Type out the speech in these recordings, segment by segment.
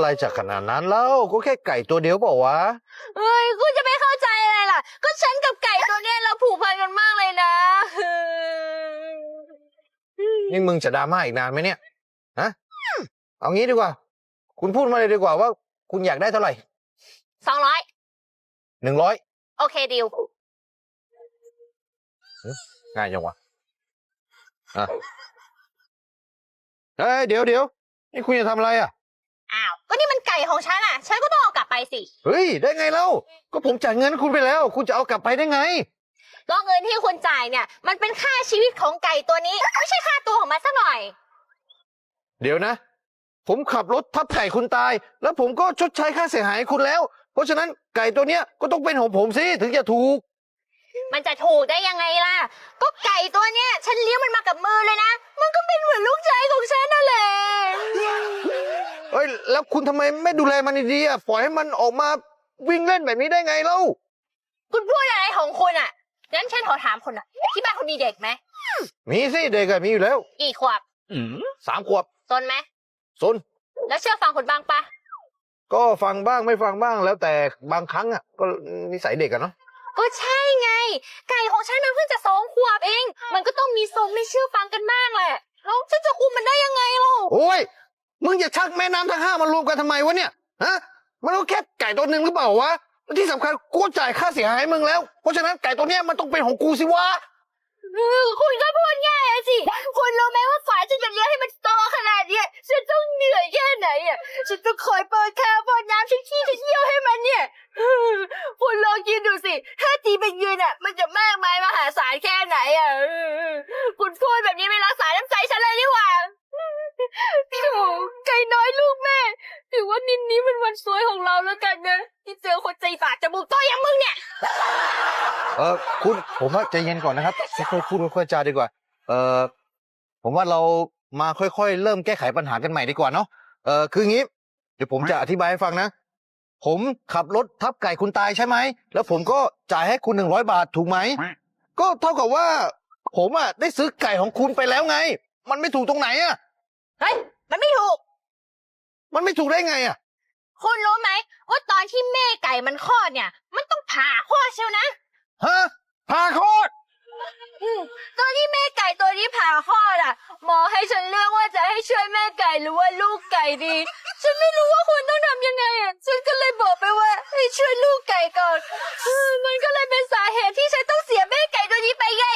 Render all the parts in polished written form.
อะไรจากขนาดนั้นแล้วก็แค่ไก่ตัวเดียวเปล่าวะเฮ้ยกูจะไม่เข้าใจอะไรล่ะก็ฉันกับไก่ตัวเนี้ยเราผูกพันกันมากเลยนะนี่มึงจะดราม่าอีกนานไหมเนี่ยฮะเอางี้ดีกว่าคุณพูดมาเลยดีกว่าว่าคุณอยากได้เท่าไหร่ 200 100 โอเคดิวง่ายจังวะอ่ะเฮ้ยเดี๋ยวนี่คุณจะทำอะไรอ่ะอ้าวก็นี่มันไก่ของฉันอ่ะฉันก็ต้องเอากลับไปสิเฮ้ยได้ไงเล่าก็ผมจ่ายเงินคุณไปแล้วคุณจะเอากลับไปได้ไงก็เงินที่คุณจ่ายเนี่ยมันเป็นค่าชีวิตของไก่ตัวนี้ไม่ใช่ค่าตัวของมันสักหน่อยเดี๋ยวนะผมขับรถทับไก่คุณตายแล้วผมก็ชดใช้ค่าเสียหายให้คุณแล้วเพราะฉะนั้นไก่ตัวเนี้ยก็ต้องเป็นของผมสิถึงจะถูกมันจะถูกได้ยังไงล่ะก็ไก่ตัวเนี้ยฉันเลี้ยงมันมากับมือเลยนะมันก็เป็นเหมือนลูกชายของฉันนั่นแหละเอ้ยแล้วคุณทำไมไม่ดูแลมันดีๆอ่ะปล่อยให้มันออกมาวิ่งเล่นแบบนี้ได้ไงเล่าคุณพูดอะไรของคุณอ่ะงั้นฉันขอถามคุณอ่ะที่บ้านคุณมีเด็กไหมมีสิเด็กอะมีอยู่แล้วกี่ขวบ 3 ขวบซนไหมซนแล้วเชื่อฟังคุณบ้างปะก็ฟังบ้างไม่ฟังบ้างแล้วแต่บางครั้งอ่ะก็นิสัยเด็กอะเนาะก็ใช่ไงไก่ของฉันมันเพิ่งจะ2 ขวบเองมันก็ต้องมีทรงไม่เชื่อฟังกันบ้างแหละแล้วฉันจะคุมมันได้ยังไงล่ะโอ้ยมึงอย่าชักแม่น้ำทั้ง5มารวมกันทำไมวะเนี่ยฮะมันก็แค่ไก่ตัวหนึ่งหรือเปล่าวะที่สำคัญกูจ่ายค่าเสียหายมึงแล้วเพราะฉะนั้นไก่ตัวเนี้ยมันต้องเป็นของกูสิวะคุณก็พูดง่ายสิคุณรู้ไหมว่าฝ่ายฉันจะเลี้ยงให้มันโตขนาดนี้ฉันต้องเหนื่อยแค่ไหนอ่ะฉันต้องคอยเปิดข้าวเปิดน้ำฉันขี้ฉันเยี่ยวให้มันเนี่ยคุณลองคิดดูสิถ้าตีเป็นยืนอ่ะมันจะมากมายมหาศาลแค่ไหนอ่ะคุณพูดแบบนี้ไม่รักษาน้ำใจฉันเลยดีกว่าโอ้ไก่น้อยลูกแม่ถือว่านินนี้เป็นวันสวยของเราแล้วกันนะที่เจอคนใจฝาดจมูกโตอย่างมึงเนี่ยคุณผมว่าใจเย็นก่อนนะครับค่อยๆพูดค่อยๆจาดีกว่าผมว่าเรามาค่อยๆเริ่มแก้ไขปัญหากันใหม่ดีกว่าเนาะคืองี้เดี๋ยวผมจะอธิบายให้ฟังนะผมขับรถทับไก่คุณตายใช่ไหมแล้วผมก็จ่ายให้คุณ100 บาทถูกไหมก็เท่ากับว่าผมอ่ะได้ซื้อไก่ของคุณไปแล้วไงมันไม่ถูกตรงไหนอ่ะเฮ้ยมันไม่ถูกได้ไงอ่ะคุณรู้ไหมว่าตอนที่แม่ไก่มันคลอดเนี่ยมันต้องผ่าคลอดเชียวนะฮะผ่าคลอดตอนที่แม่ไก่ตัวนี้ผ่าคลอดอ่ะหมอให้ฉันเลือกว่าจะให้ช่วยแม่ไก่หรือว่าลูกไก่ดีฉันไม่รู้ว่าคุณต้องทำยังไงอ่ะฉันก็เลยบอกไปว่าให้ช่วยลูกไก่ก่อนมันก็เลยเป็นสาเหตุที่ฉันต้องเสียแม่ไก่ตัวนี้ไปไง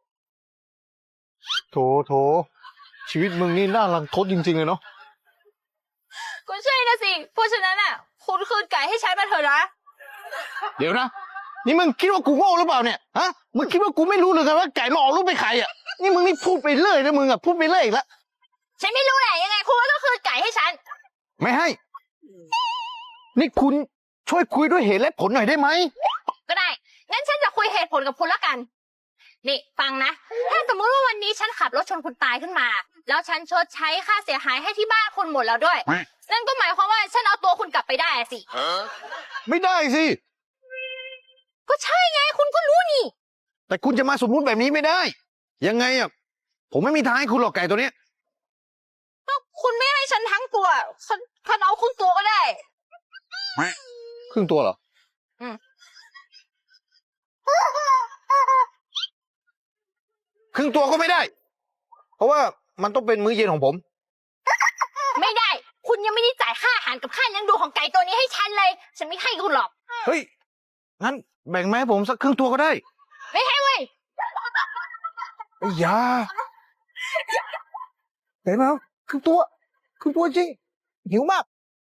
โถชีวิตมึงนี่น่ารังทดจริงๆเลยเนาะก็ใช่นะสิเพราะฉะนั้นอ่ะคุณคืนไก่ให้ฉันมาเถอะนะเดี๋ยวนะนี่มึงคิดว่ากูโง่หรือเปล่าเนี่ยฮะมึงคิดว่ากูไม่รู้เลยกันว่าไก่มันออกลูกเป็นใครอ่ะนี่มึงนี่พูดไปเรื่อยนะมึงอ่ะพูดไปเรื่อยอีกแล้วฉันไม่รู้แหละยังไงคุณก็ต้องคืนไก่ให้ฉันไม่ให้นี่คุณช่วยคุยด้วยเหตุและผลหน่อยได้ไหมก็ได้งั้นฉันจะคุยเหตุผลกับคุณละกันนี่ฟังนะถ้าสมมติว่าวันนี้ฉันขับรถชนคุณตายขึ้นมาแล้วฉันชดใช้ค่าเสียหายให้ที่บ้านคุณหมดแล้วด้วยนั่นก็หมายความว่าฉันเอาตัวคุณกลับไปได้สิไม่ได้สิก็ใช่ไงคุณก็รู้นี่แต่คุณจะมาสมมุติแบบนี้ไม่ได้ยังไงอ่ะผมไม่มีทางให้คุณหรอกไก่ตัวเนี้ยคุณไม่ให้ฉันทั้งตัวฉันเอาครึ่งตัวก็ได้ครึ่งตัวเหรอครึ่งตัวก็ไม่ได้เพราะว่ามันต้องเป็นมื้อเย็นของผมไม่ได้คุณยังไม่ได้จ่ายค่าอาหารกับค่าเลี้ยงดูของไก่ตัวนี้ให้ฉันเลยฉันไม่ให้คุณหรอกเฮ้ยงั้นแบ่งมาให้ผมสักครึ่งตัวก็ได้ไม่ให้เว้ยอย่าเห็นไหมครึ่งตัวจริงหิวมาก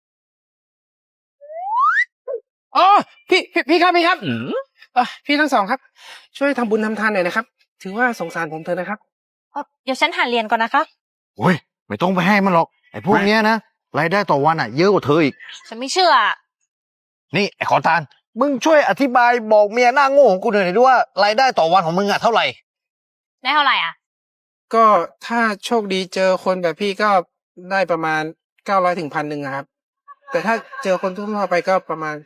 อ๋อพี่ครับพี่ทั้งสองครับช่วยทำบุญทำทานหน่อยนะครับถือว่าสงสารผมเถอะนะครับเดี๋ยวฉันหาเรียนก่อนนะคะโอ้ยไม่ต้องไปให้มันหรอกไอ้พวกเนี้ยนะรายได้ต่อวันอ่ะเยอะกว่าเธออีกฉันไม่เชื่อนี่ไอ้ขอทานมึงช่วยอธิบายบอกเมียหน้าโง่ของกูหน่อยด้วยว่ารายได้ต่อวันของมึงอ่ะเท่าไหร่ได้เท่าไหร่อ่ะก็ถ้าโชคดีเจอคนแบบพี่ก็ได้ประมาณ900 ถึง 1,000ครับแต่ถ้าเจอคนทั่วไปก็ประมาณ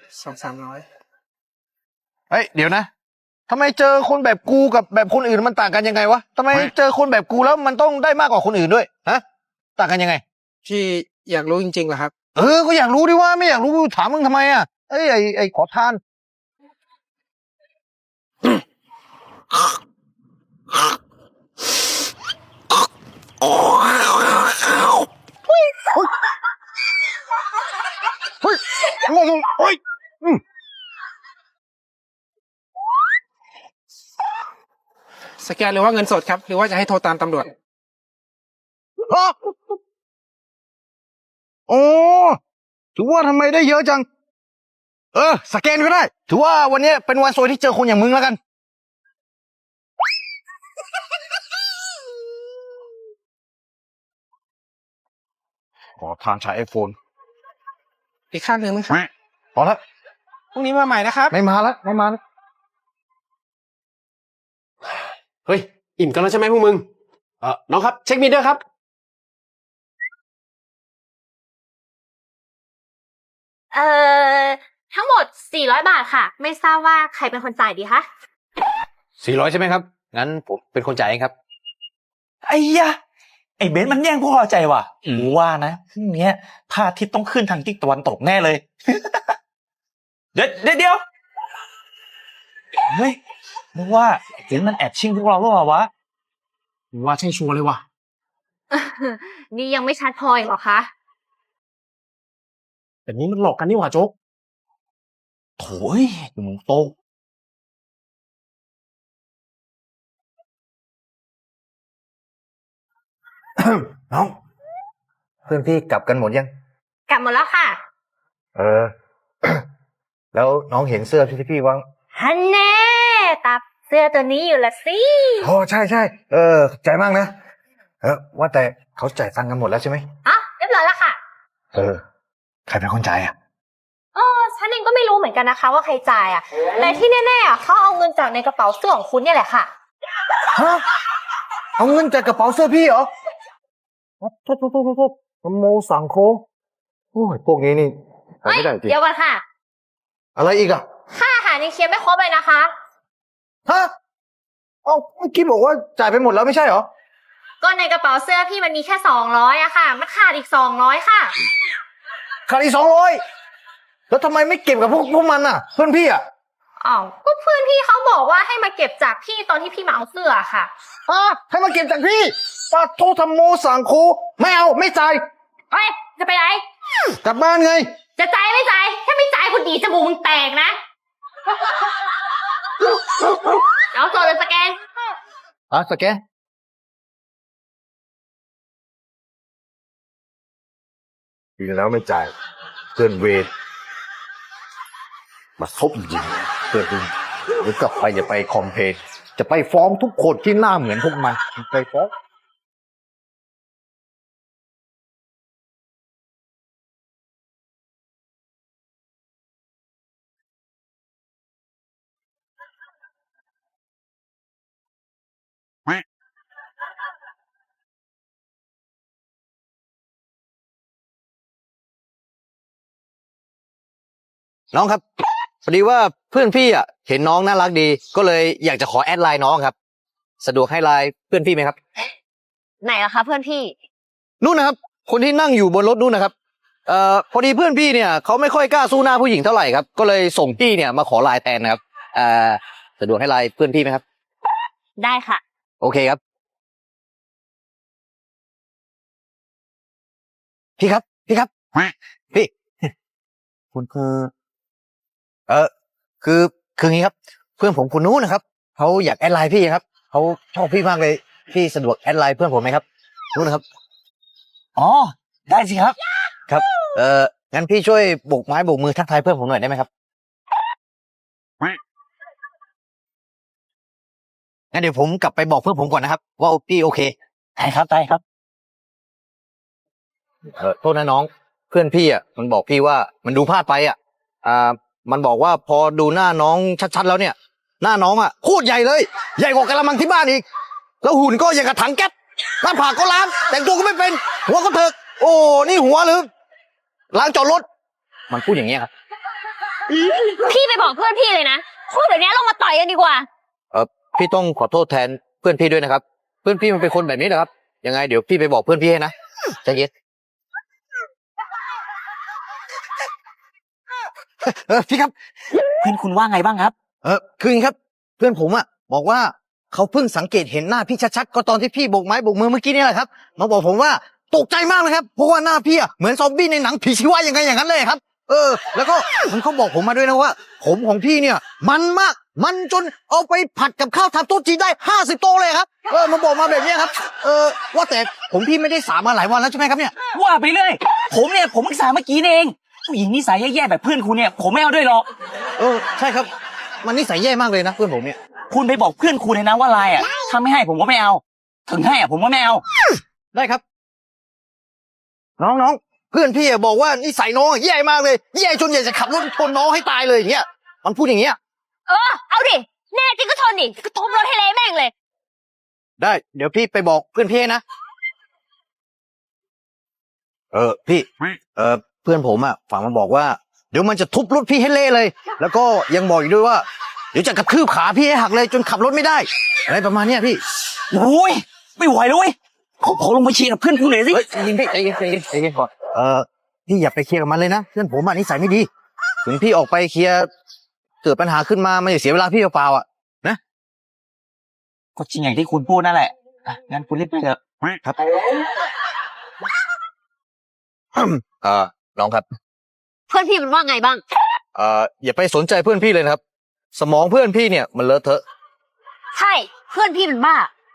200-300 เฮ้ยเดี๋ยวนะทำไมเจอคนแบบกูกับแบบคนอื่นมันต่างกันยังไงวะทำไมเจอคนแบบกูแล้วมันต้องได้มากกว่าคนอื่นด้วยฮะต่างกันยังไงพี่อยากรู้จริงๆเหรอครับก็อยากรู้ดิว่าไม่อยากรู้ถามมึงทำไมอ่ะไอ้ขอทานเฮ้ยเฮ้ยสแกนหรือว่าเงินสดครับ หรือว่าจะให้โทรตามตำรวจฮะโอ้ถือว่าทำไมได้เยอะจัง สแกนก็ได้ ถือว่าวันนี้เป็นวันซวยที่เจอคนอย่างมึงแล้วกัน ขอทานใช้ไอโฟนอีกข้างหนึ่งไหมครับพอแล้วพรุ่งนี้มาใหม่นะครับไม่มาแล้วไม่มาแล้วเฮ้ย อิ่มกันแล้วใช่ไหมพวกมึง น้องครับ เช็คบิลด้วยครับเอ่อทั้งหมด400 บาทค่ะ ไม่ทราบว่าใครเป็นคนจ่ายดีคะ 400ใช่ไหมครับ งั้นผมเป็นคนจ่ายเองครับไอ้ยะไอ้เบนซ์มันแย่งพวกเราใจว่ะกูว่านะพรุ่งเนี้ยพระอาทิตย์ต้องขึ้นทางทิศตะวันตกแน่เลย เดี๋ยวเฮ้ยนึกว่าไอ้เบนซ์มันแอบชิงพวกเราหรือเปล่าวะว่าใช่ชัวร์เลยว่ะนี่ยังไม่ชัดพออีกเหรอคะแต่นี้มันหลอกกันนี่หว่าโจ๊กโถ่ยหนูโตน้อง เพื่อนพี่กลับกันหมดยังกลับหมดแล้วค่ะแล้วน้องเห็นเสื้อที่พี่วางฮันแน่ตับเสื้อตัวนี้อยู่ละสิใช่ ใจมากนะ ว่าแต่เขาจ่ายตังค์กันหมดแล้วใช่ไหมอ่ะเรียบร้อยแล้วค่ะใครเป็นคนจ่ายอ่ะฉันเองก็ไม่รู้เหมือนกันนะคะว่าใครจ่ายอ่ะ แต่ที่แน่ๆอ่ะเขาเอาเงินจากในกระเป๋าเสื้อของคุณเนี่ยแหละค่ะฮะ เอาเงินจากกระเป๋าเสื้อพี่เหรอโทษโมสั่งโคโอ้ยพวกนี้นี่หาเฮ้ยไม่ได้จริงเดี๋ยวก่อนค่ะอะไรอีกอ่ะค่าอาหารนี่เคลียร์ไม่ครบเลยนะคะฮะเมื่อกี้บอกว่าจ่ายไปหมดแล้วไม่ใช่เหรอก็ในกระเป๋าเสื้อพี่มันมีแค่200อะค่ะ มันขาดอีก200ค่ะขาดอีก200แล้วทำไมไม่เก็บกับพวกมันอ่ะ เพื่อนพี่อ่ะอ้าวก็เพื่อนพี่เขาบอกว่าให้มาเก็บจากพี่ตอนที่พี่มาเอาเสื้อค่ะให้มาเก็บจากพี่ปาโทธรรมโมสั่งโคไม่เอาไม่จ่ายเฮ้ย จะไปไหนกลับบ้านไงจะจ่ายไม่จ่าย ถ้าไม่จ่ายคุณดีจมูกมึงแตกนะ เอาตัวเลยสแกนสแกนกินแล้วไม่จ่ายเพื่อนเวรมาซบจริงเพื่อนคุณหรือกลับไปอย่าไปคอมเพลนจะไปฟ้องทุกคนที่หน้าเหมือนพวกมันไปฟ้องน้องครับพอดีว่าเพื่อนพี่อ่ะเห็นน้องน่ารักดี ก็เลยอยากจะขอแอดไลน์น้องครับ สะดวกให้ไลน์เพื่อนพี่ไหมครับไหนล่ะคะเพื่อนพี่นู่นนะครับ คนที่นั่งอยู่บนรถนู่นนะครับพอดีเพื่อนพี่เนี่ยเขาไม่ค่อยกล้าสู้หน้าผู้หญิงเท่าไหร่ครับ ก็เลยส่งพี่เนี่ยมาขอไลน์แทนนะครับสะดวกให้ไลน์เพื่อนพี่ไหมครับได้ค่ะโอเคครับ พี่ครับพี่คุณคืองี้ครับ เพื่อนผมคนนู้นนะครับเขาอยากแอดไลน์พี่ครับเขาชอบพี่มากเลยพี่สะดวกแอดไลน์เพื่อนผมไหมครับนู้นนะครับอ๋อได้สิครับครับงั้นพี่ช่วยโบกไม้โบกมือทักทายเพื่อนผมหน่อยได้ไหมครับงั้นเดี๋ยวผมกลับไปบอกเพื่อนผมก่อนนะครับว่าพี่โอเคได้ครับ โทษนะน้องเพื่อนพี่อ่ะมันบอกพี่ว่ามันดูพลาดไปอ่ะมันบอกว่าพอดูหน้าน้องชัดๆแล้วเนี่ย หน้าน้องอ่ะโคตรใหญ่เลยใหญ่กว่ากะละมังที่บ้านอีกแล้วหุ่นก็อย่างกับถังแก๊สหน้าผากก็ล้างแต่งตัวก็ไม่เป็นหัวก็เถิกโอ้นี่หัวหรือล้างจอดรถมันพูดอย่างเงี้ยครับพี่ไปบอกเพื่อนพี่เลยนะพูดเดี๋ยวนี้ลงมาต่อยกันดีกว่าพี่ต้องขอโทษแทนเพื่อนพี่ด้วยนะครับ เพื่อนพี่มันเป็นคนแบบนี้นะครับยังไงเดี๋ยวพี่ไปบอกเพื่อนพี่ให้นะใจเย็นพี่ครับเพื่อนคุณว่าไงบ้างครับคืออย่างนี้ครับ เพื่อนผมอ่ะบอกว่าเขาเพิ่งสังเกตเห็นหน้าพี่ชัดๆก็ตอนที่พี่โบกไม้โบกมือเมื่อกี้นี่แหละครับมาบอกผมว่าตกใจมากเลยครับเพราะว่าหน้าพี่อ่ะเหมือนซอมบี้ในหนังผีชีวะยังไงอย่างนั้นเลยครับ แล้วก็มันเขาบอกผมมาด้วยนะว่าผมของพี่เนี่ย มันมากมันจนเอาไปผัดกับข้าวทำโต๊ะจีนได้50 โต๊ะเลยครับมันบอกมาแบบนี้ครับว่าแต่ผมพี่ไม่ได้สามาหลายวันแล้วใช่ไหมครับเนี่ยว่าไปเรื่อยผมเพิ่งสาเมื่อกี้นี่เองผู้หญิงนิสัยแย่ๆแบบเพื่อนคุณเนี่ยผมไม่เอาด้วยหรอกใช่ครับมันนิสัยแย่มากเลยนะเพื่อนผมเนี่ยคุณไปบอกเพื่อนคุณเลยนะว่าไลน์อ่ะถ้าไม่ให้ผมก็ไม่เอา ถึงให้อ่ะผมก็ไม่เอาได้ครับ น้องเพื่อนพี่บอกว่านิสัยน้องแย่มากเลยแย่จนอยากจะขับรถชนน้องให้ตายเลยอย่างเงี้ยมันพูดอย่างเงี้ยเอาดิ แน่จริงก็ชนดิก็ทุบรถให้เละแม่งเลยได้เดี๋ยวพี่ไปบอกเพื่อนพี่นะพี่เพื่อนผมอ่ะฝากมาบอกว่าเดี๋ยวมันจะทุบรถพี่ให้เละเลย แล้วก็ยังบอกอีกด้วยว่าเดี๋ยวจะกระทืบขาพี่ให้หักเลยจนขับรถไม่ได้อะไรประมาณเนี้ยพี่โอ้ยไม่ไหวเลยเว้ยขอลงมาเชียร์กับเพื่อนคุณหน่อยสิเฮ้ยใจเย็นพี่ใจเย็นก่อนพี่อย่าไปเคลียร์กับมันเลยนะเพื่อนผมอ่ะนิสัยไม่ดีถึงพี่ออกไปเคลียร์เกิดปัญหาขึ้นมามันจะเสียเวลาพี่เปล่าๆอ่ะนะก็จริงอย่างที่คุณพูดนั่นแหละอ่ะงั้นคุณรีบไปเถอะครับ น้องครับเพื่อนพี่มันว่าไงบ้างอย่าไปสนใจเพื่อนพี่เลยนะครับ สมองเพื่อนพี่เนี่ยมันเลอะเทอะใช่ เพื่อนพี่มันบ้า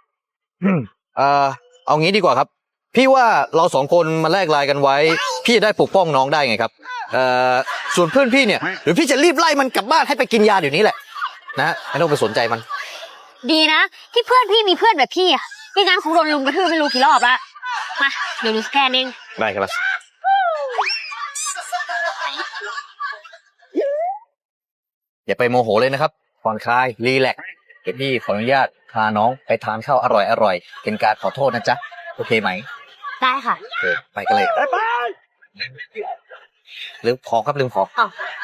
เอางี้ดีกว่าครับ พี่ว่าเราสองคนมาแลกไลน์กันไว้ พี่จะได้ปกป้องน้องได้ไงครับ ส่วนเพื่อนพี่เนี่ยหรือพี่จะรีบไล่มันกลับบ้านให้ไปกินยาเดี๋ยวนี้แหละนะไม่ต้องไปสนใจมันดีนะ ที่เพื่อนพี่มีเพื่อนแบบพี่อ่ะไม่งั้นคงโดนลุมกระทืบไม่รู้กี่รอบละมาเดี๋ยวหนูสแกนเองได้ครับอย่าไปโมโหเลยนะครับผ่อนคลายรีแลกซ์เดี๋ยวพี่ขออนุญาตพาน้องไปทานข้าวอร่อยๆเป็นการขอโทษนะจ๊ะโอเคไหมได้ค่ะโอเคไปกันเลยลืมของครับลืมของอ้าว